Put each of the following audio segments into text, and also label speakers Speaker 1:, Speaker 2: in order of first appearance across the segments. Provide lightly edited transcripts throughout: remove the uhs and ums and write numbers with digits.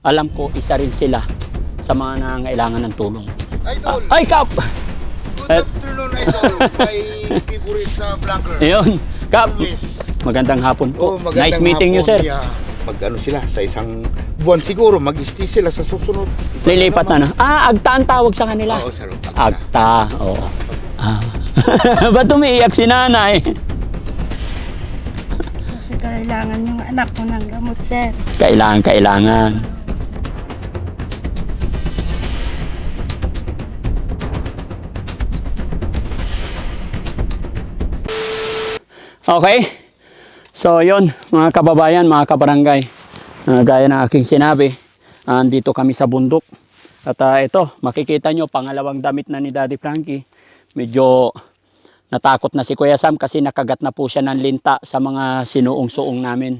Speaker 1: alam ko isa rin sila sa mga nangangailangan ng tulong.
Speaker 2: Idol!
Speaker 1: Ay, Kap!
Speaker 2: Good afternoon, Idol! My favorite na vlogger.
Speaker 1: Ayun, Kap!
Speaker 2: Always.
Speaker 1: Magandang hapon po.
Speaker 2: Magandang
Speaker 1: Nice meeting you,
Speaker 2: hapon.
Speaker 1: sir.
Speaker 2: Yeah. Mag-ano sila, sa isang buwan siguro, mag-stay sila sa susunod.
Speaker 1: Lilipat na, no? Agta ang tawag sa kanila.
Speaker 2: Oo, sir.
Speaker 1: Agta, oo. Ba't umiiyak si nanay?
Speaker 3: Kasi kailangan yung anak ko ng gamot, sir.
Speaker 1: Kailangan. Okay. So, yon mga kababayan, mga kabarangay. Gaya ng aking sinabi, andito kami sa bundok. At ito, makikita nyo, pangalawang damit na ni Daddy Frankie. Medyo natakot na si Kuya Sam kasi nakagat na po siya ng linta sa mga sinuong-suong namin.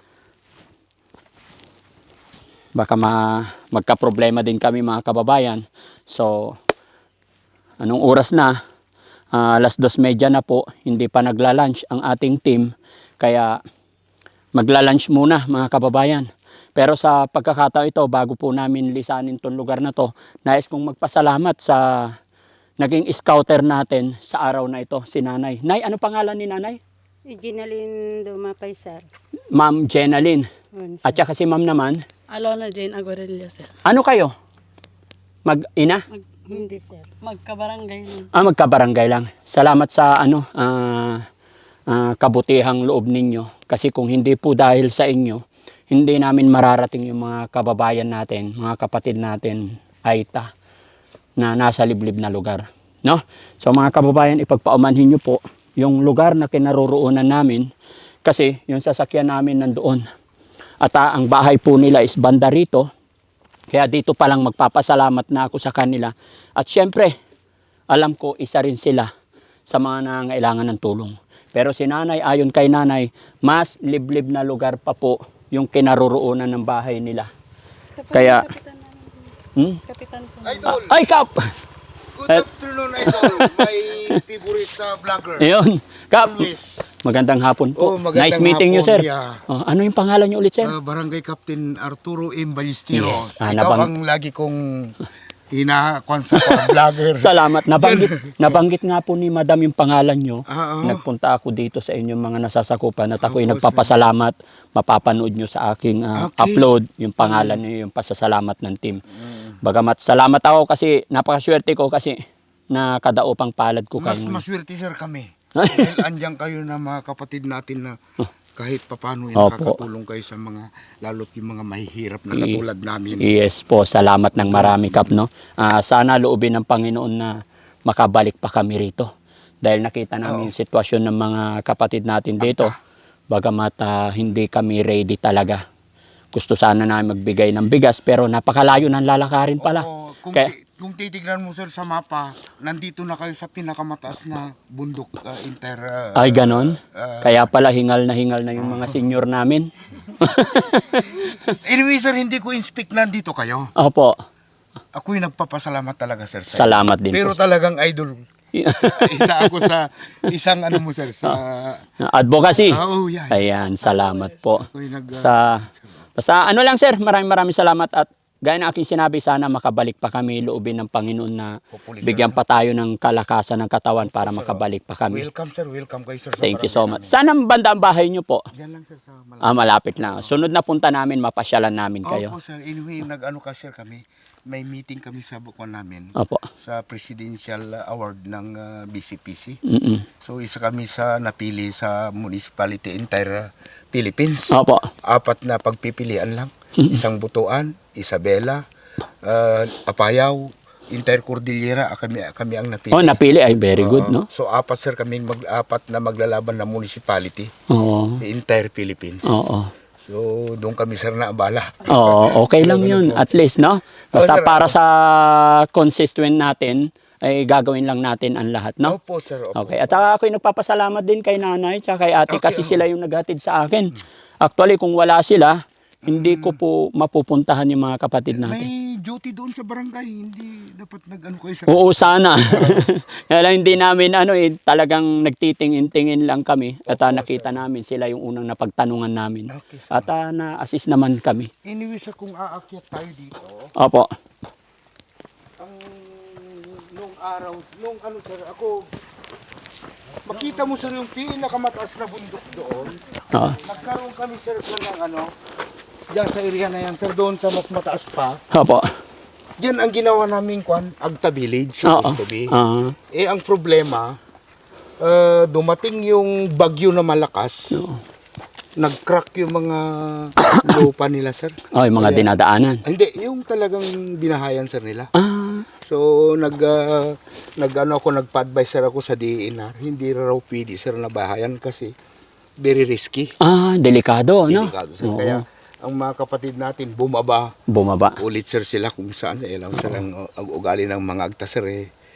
Speaker 1: Baka magka-problema din kami, mga kababayan. So, anong oras na? Alas 2:30 na po, hindi pa nagla-lunch ang ating team. Kaya magla-lunch muna, mga kababayan. Pero sa pagkakataon ito, bago po namin lisanin itong lugar na to, nais kong magpasalamat sa naging scouter natin sa araw na ito, si Nanay. Nay, ano pangalan ni Nanay?
Speaker 3: Ginalin Dumapay, sir.
Speaker 1: Ma'am Jenaline.
Speaker 3: Yun, sir.
Speaker 1: At saka si Ma'am naman,
Speaker 4: Alona Jane Aguarilla, sir.
Speaker 1: ano kayo? Mag-ina?
Speaker 3: Hindi, sir.
Speaker 4: Magkabarangay nun.
Speaker 1: Magkabarangay lang. Salamat sa kabutihang loob ninyo. Kasi kung hindi po dahil sa inyo, hindi namin mararating yung mga kababayan natin, mga kapatid natin, Aita, na nasa liblib na lugar. No? So mga kababayan, ipagpaumanhin nyo po yung lugar na kinaroroonan namin kasi yung sasakyan namin nandoon. At ang bahay po nila is banda rito. Kaya dito pa lang magpapasalamat na ako sa kanila. At syempre, alam ko isa rin sila sa mga nangangailangan ng tulong. Pero si Nanay, ayon kay Nanay, mas liblib na lugar pa po yung kinaroroonan ng bahay nila. Kaya,
Speaker 4: Kapitan namin. Kapitan po.
Speaker 2: Idol!
Speaker 1: ay, Kap!
Speaker 2: Good afternoon, Idol! My favorite na vlogger.
Speaker 1: Ayun, Kap!
Speaker 2: Always.
Speaker 1: Magandang hapon po.
Speaker 2: Magandang
Speaker 1: Nice meeting you,
Speaker 2: hapon.
Speaker 1: sir.
Speaker 2: Yeah.
Speaker 1: Ano yung pangalan niyo ulit, sir?
Speaker 2: Barangay Captain Arturo M. Ballesteros.
Speaker 1: Yes.
Speaker 2: Ikaw ang lagi kong hinakon sa vlogger.
Speaker 1: Salamat. Nabanggit nga po ni Madam yung pangalan nyo.
Speaker 2: Oo.
Speaker 1: Nagpunta ako dito sa inyong mga nasasakupan at ako'y
Speaker 2: Opo,
Speaker 1: nagpapasalamat. Mapapanood nyo sa aking
Speaker 2: Okay.
Speaker 1: upload yung pangalan nyo, yung pasasalamat ng team. Bagamat salamat ako kasi napakaswerte ko kasi nakadaupang palad ko
Speaker 2: Mas
Speaker 1: kayo.
Speaker 2: maswerte, sir, kami. Dahil andyan kayo na mga kapatid natin na kahit papano nakakatulong kayo sa mga, lalot yung mga mahihirap na katulad namin.
Speaker 1: Yes po, salamat ng marami, Kap, no? Sana loobin ng Panginoon na makabalik pa kami rito. Dahil nakita namin yung sitwasyon ng mga kapatid natin dito. Bagamat hindi kami ready talaga. Gusto sana namin magbigay ng bigas pero napakalayo ng lalakarin pala.
Speaker 2: Oo, kung titignan mo, sir, sa mapa, nandito na kayo sa pinakamataas na bundok
Speaker 1: Ay, ganon? Kaya pala hingal na yung mga senior namin.
Speaker 2: Anyway, sir, hindi ko inspect nandito kayo.
Speaker 1: Opo,
Speaker 2: Ako'y nagpapasalamat talaga, sir. Sa
Speaker 1: salamat din
Speaker 2: Pero
Speaker 1: po.
Speaker 2: talagang idol. Isa ako sa isang ano mo, sir, sa
Speaker 1: Advocacy.
Speaker 2: oh, yeah.
Speaker 1: Ayan, salamat po.
Speaker 2: Ako'y
Speaker 1: Basta ano lang, sir, maraming salamat at gaya na aking sinabi, sana makabalik pa kami, loobin ng Panginoon na
Speaker 2: Hopefully, sir.
Speaker 1: bigyan pa tayo ng kalakasan ng katawan para makabalik pa kami.
Speaker 2: Welcome, sir. Welcome kayo, sir. sa
Speaker 1: Thank you
Speaker 2: barangay
Speaker 1: so much. Saan ang banda ang bahay nyo po?
Speaker 2: namin. Diyan lang, sir, sa Malapit.
Speaker 1: Malapit lang. Sunod na punta namin, mapasyalan namin kayo.
Speaker 2: Opo, sir. Anyway, nag-ano ka, sir, kami. May meeting kami sa bukuan namin.
Speaker 1: Opo.
Speaker 2: Sa Presidential Award ng BCPC.
Speaker 1: Mm-mm.
Speaker 2: So, isa kami sa napili sa municipality entire Philippines.
Speaker 1: Opo.
Speaker 2: 4 na pagpipilian lang. Isang Butuan, Isabela, Apayao, entire Cordillera, kami ang napili.
Speaker 1: Oh, napili. Ay, very good, no?
Speaker 2: So, 4, sir, kami 4 na maglalaban na municipality.
Speaker 1: Oo.
Speaker 2: Entire Philippines.
Speaker 1: Oo.
Speaker 2: So, doon kami, sir, na abala.
Speaker 1: Oo, okay lang yun. At least, no? Basta
Speaker 2: sir.
Speaker 1: para sa constituent natin, ay gagawin lang natin ang lahat, no?
Speaker 2: Opo, sir. Opo.
Speaker 1: Okay. At saka ako'y nagpapasalamat din kay nanay at kay ate kasi sila yung naghatid sa akin. Actually, kung wala sila, hindi ko po mapupuntahan yung mga kapatid natin.
Speaker 2: May duty doon sa barangay. Hindi dapat nag-ano kayo sa...
Speaker 1: Oo, sana. Kaya lang hindi namin talagang nagtitingin-tingin lang kami at nakita namin sila yung unang napagtanungan namin.
Speaker 2: Okay, sir.
Speaker 1: At na-assist naman kami.
Speaker 2: Anyway, sir, kung aakyat tayo dito,
Speaker 1: Opo.
Speaker 2: ang nung araw, nung ano sir, ako, makita mo sir yung pinakamataas na bundok doon.
Speaker 1: Oo.
Speaker 2: Nagkaroon kami sir ng ano, diyan sa area na yan sir, doon sa mas mataas pa.
Speaker 1: Opo.
Speaker 2: Diyan ang ginawa namin Agta Village,
Speaker 1: Oo.
Speaker 2: supposed to be.
Speaker 1: Ah.
Speaker 2: Eh ang problema, dumating yung bagyo na malakas. Nag-crack yung mga lupa nila sir.
Speaker 1: Oh, yung mga
Speaker 2: Kaya-
Speaker 1: dinadaanan.
Speaker 2: Hindi, yung talagang binahayan sir nila.
Speaker 1: Ah.
Speaker 2: So nagpa-advise sir ako sa DENR, hindi raw pwede sir na bahayan kasi very risky.
Speaker 1: Ah, delikado, no?
Speaker 2: Delikado, sir.
Speaker 1: Oo.
Speaker 2: Kaya ang mga kapatid natin bumaba
Speaker 1: Bumaba.
Speaker 2: ulit sir sila kung saan alam sir ang ugali ng mga agta sir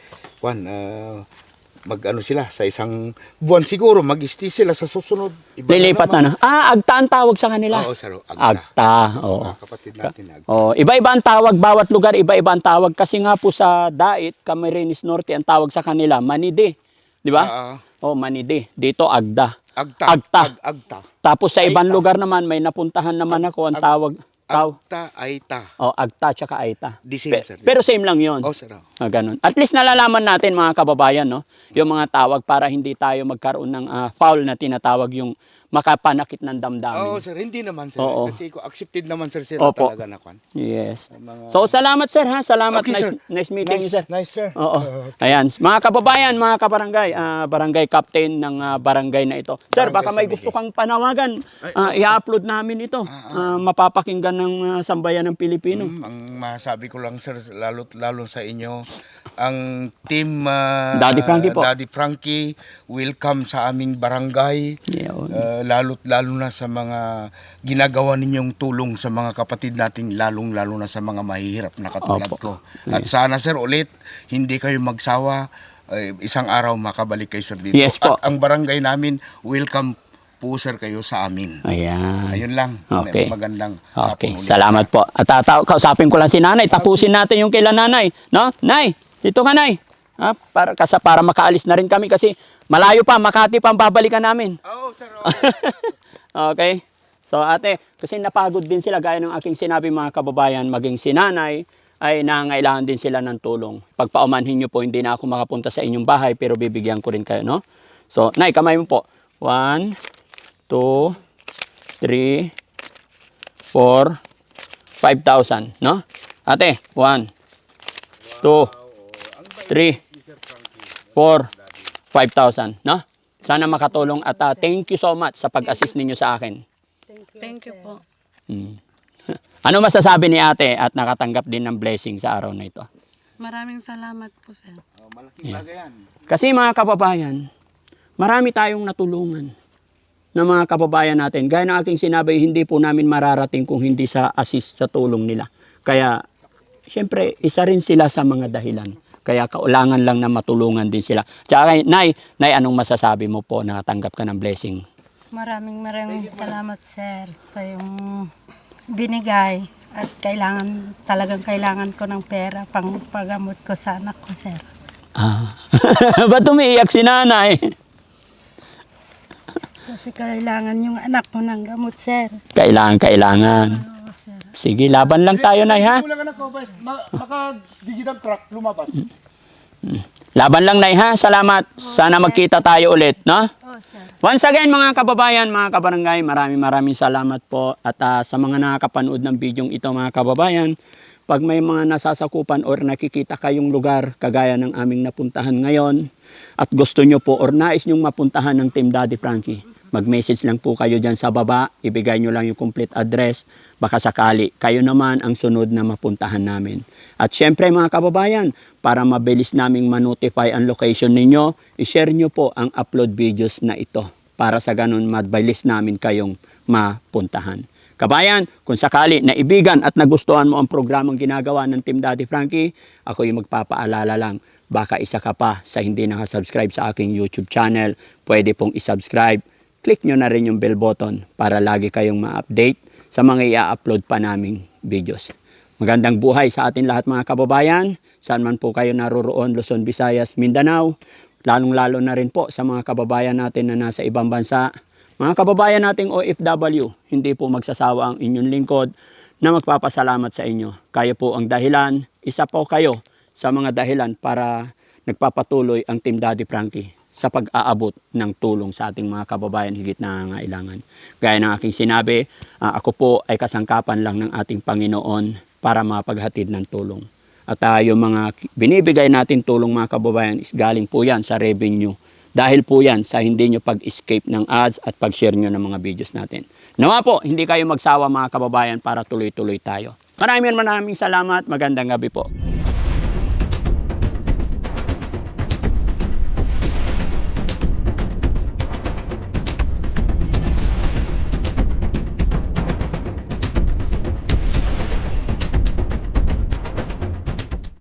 Speaker 2: mag-ano sila sa isang buwan siguro mag-stay sila sa susunod. Iba
Speaker 1: Lilipat
Speaker 2: naman.
Speaker 1: na. Agta ang tawag sa kanila.
Speaker 2: Oo sir, agta.
Speaker 1: Agta. Oo.
Speaker 2: Mga kapatid natin agta.
Speaker 1: Oh, iba-iba ang tawag, bawat lugar iba-iba ang tawag kasi nga po sa Dait, Camarines Norte ang tawag sa kanila Manide, di ba? Oh, Manide. Dito Agda. Agta.
Speaker 2: Agta.
Speaker 1: Tapos sa ibang
Speaker 2: Aita.
Speaker 1: lugar naman may napuntahan naman ako ang tawag
Speaker 2: Agta, Aita.
Speaker 1: Oh, Agta tsaka Aita.
Speaker 2: The same, sir.
Speaker 1: Pero same lang 'yon.
Speaker 2: Oh sir.
Speaker 1: Ganun. At least nalalaman natin mga kababayan, no, yung mga tawag para hindi tayo magkaroon ng foul na tinatawag yung makapanakit ng damdamin.
Speaker 2: Oo sir, hindi naman sir.
Speaker 1: Oo.
Speaker 2: Kasi accepted naman sir sila
Speaker 1: Opo.
Speaker 2: talaga na kwan.
Speaker 1: Yes.
Speaker 2: Mga-
Speaker 1: So salamat sir ha. Salamat.
Speaker 2: Okay, sir.
Speaker 1: Nice meeting you, sir.
Speaker 2: Nice sir.
Speaker 1: Oo. Ayan, mga kababayan, mga kabarangay, barangay captain ng barangay na ito. Sir,
Speaker 2: Barangay
Speaker 1: baka may
Speaker 2: San
Speaker 1: gusto
Speaker 2: Miguel.
Speaker 1: kang panawagan. I-upload namin ito. Mapapakinggan ng sambayan ng Pilipino.
Speaker 2: Ang masabi ko lang sir, lalo sa inyo, ang team
Speaker 1: Daddy Frankie po.
Speaker 2: Daddy Frankie, welcome sa aming barangay.
Speaker 1: Yun.
Speaker 2: Lalo na sa mga ginagawa ninyong tulong sa mga kapatid natin, lalo na sa mga mahihirap na katulad
Speaker 1: Opo.
Speaker 2: ko. At sana sir ulit, hindi kayo magsawa, isang araw makabalik kayo sir dito.
Speaker 1: Yes po.
Speaker 2: At ang barangay namin, welcome po sir kayo sa amin.
Speaker 1: Ayan.
Speaker 2: Ayun lang.
Speaker 1: Okay.
Speaker 2: Magandang
Speaker 1: Okay,
Speaker 2: hapon ulit.
Speaker 1: salamat po. At kausapin ko lang si nanay. Tapusin natin yung kailan nanay. No? Nay, dito ka nay. Para makaalis na rin kami kasi malayo pa, Makati pa ang babalikan namin.
Speaker 2: Oo sir.
Speaker 1: Okay? So ate, kasi napagod din sila gaya ng aking sinabi mga kababayan, maging si nanay ay nangailangan din sila ng tulong. Pagpaumanhin nyo po, hindi na ako makapunta sa inyong bahay pero bibigyan ko rin kayo, no? So, nay, kamay mo po. 1, 2, 3, 4, 5,000, no? Ate, 1, 2, 3, 4, 5,000, no? Sana makatulong at thank you so much sa pag-assist ninyo sa akin.
Speaker 4: Thank you po.
Speaker 1: Ano masasabi ni ate at nakatanggap din ng blessing sa araw na ito?
Speaker 4: Maraming salamat po, sir.
Speaker 2: Malaking bagay yan.
Speaker 1: Kasi mga kababayan, marami tayong natulungan ng mga kababayan natin. Gaya ng aking sinabi, hindi po namin mararating kung hindi sa assist sa tulong nila. Kaya, siyempre, isa rin sila sa mga dahilan. Kaya kaulangan lang na matulungan din sila. Tsaka, Nay, anong masasabi mo po na tanggap ka ng blessing?
Speaker 3: Maraming salamat, sir, sa yung binigay. At talagang kailangan ko ng pera pang paggamot ko sa anak ko, sir.
Speaker 1: Ba't umiiyak si nanay?
Speaker 3: Kasi kailangan yung anak ko ng gamot, sir.
Speaker 1: Kailangan.
Speaker 3: Oo, sir.
Speaker 1: Sige, laban lang tayo, Nay, ha?
Speaker 2: Wala ka na ko, maka-digital truck, lumabas.
Speaker 1: Laban lang, Nay, ha? Salamat. Sana magkita tayo ulit, no?
Speaker 3: Oo, sir.
Speaker 1: Once again, mga kababayan, mga kabarangay, maraming salamat po. At sa mga nakakapanood ng bidyong ito, mga kababayan, pag may mga nasasakupan or nakikita kayong lugar kagaya ng aming napuntahan ngayon at gusto nyo po or nais nyong mapuntahan ng Team Daddy Frankie, mag-message lang po kayo dyan sa baba, ibigay nyo lang yung complete address, baka sakali kayo naman ang sunod na mapuntahan namin. At syempre mga kababayan, para mabilis naming manotify ang location ninyo, ishare nyo po ang upload videos na ito para sa ganun mabilis namin kayong mapuntahan. Kabayan, kung sakali naibigan at nagustuhan mo ang programang ginagawa ng Team Daddy Frankie, ako yung magpapaalala lang, baka isa ka pa sa hindi nakasubscribe sa aking YouTube channel, pwede pong isubscribe. Click nyo na rin yung bell button para lagi kayong ma-update sa mga i-upload pa naming videos. Magandang buhay sa atin lahat mga kababayan. Saan man po kayo naroroon, Luzon, Visayas, Mindanao. Lalong-lalo na rin po sa mga kababayan natin na nasa ibang bansa. Mga kababayan nating OFW, hindi po magsasawa ang inyong lingkod na magpapasalamat sa inyo. Kayo po ang dahilan, isa po kayo sa mga dahilan para nagpapatuloy ang Team Daddy Frankie sa pag-aabot ng tulong sa ating mga kababayan higit na nangangailangan. Gaya ng aking sinabi, ako po ay kasangkapan lang ng ating Panginoon para mapaghatid ng tulong. At yung mga binibigay natin tulong mga kababayan is galing po yan sa revenue. Dahil po yan sa hindi nyo pag-escape ng ads at pag-share nyo ng mga videos natin. Nawa po, hindi kayo magsawa mga kababayan para tuloy-tuloy tayo. Maraming salamat. Magandang gabi po.